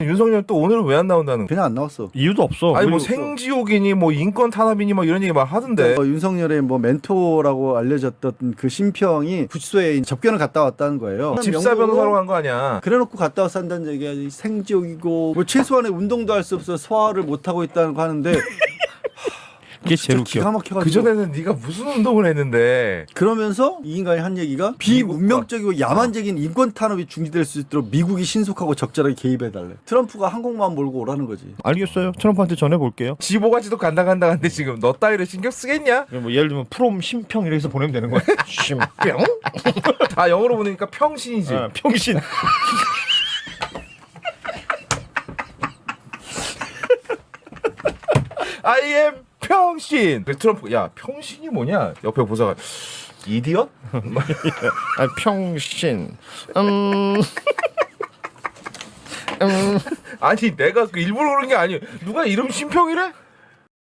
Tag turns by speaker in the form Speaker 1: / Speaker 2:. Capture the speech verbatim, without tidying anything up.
Speaker 1: 윤석열 또 오늘은 왜 안 나온다는 거야?
Speaker 2: 그냥 안 나왔어.
Speaker 3: 이유도 없어.
Speaker 1: 아니 뭐
Speaker 3: 그리고
Speaker 1: 생지옥이니 뭐 인권 탄압이니 뭐 이런 얘기 막 하던데.
Speaker 2: 어, 윤석열의 뭐 멘토라고 알려졌던 그 심평이 구치소에 접견을 갔다 왔다는 거예요.
Speaker 1: 집사 변호사로 간 거 아니야?
Speaker 2: 그래놓고 갔다 와서 한다는 얘기가 생지옥이고 뭐 최소한의 운동도 할 수 없어 소화를 못 하고 있다는 거 하는데
Speaker 3: 그게 제일
Speaker 2: 진짜 기가
Speaker 3: 웃겨.
Speaker 2: 막혀가지고
Speaker 1: 그 전에는 네가 무슨 운동을 했는데?
Speaker 2: 그러면서 이 인간이 한 얘기가 비문명적이고 야만적인 인권 탄압이 중지될 수 있도록 미국이 신속하고 적절하게 개입해달래. 트럼프가 항공모함 몰고 오라는 거지.
Speaker 3: 알겠어요. 트럼프한테 전해볼게요.
Speaker 1: 지보가지도 간당간당한데 지금 너 따위를 신경 쓰겠냐?
Speaker 3: 뭐 예를 들면 프롬 심평 이래서 보내면 되는 거야. 심평?
Speaker 1: 아 영어로 보니까 평신이지.
Speaker 3: 아, 평신.
Speaker 1: I am 평신. 그래서 트럼프 야 평신이 뭐냐? 옆에 보다가 이디엇?
Speaker 3: 아, 평신. 음. 음.
Speaker 1: 아니 내가 그 일부러 그런 게 아니에요. 누가 이름 신평이래?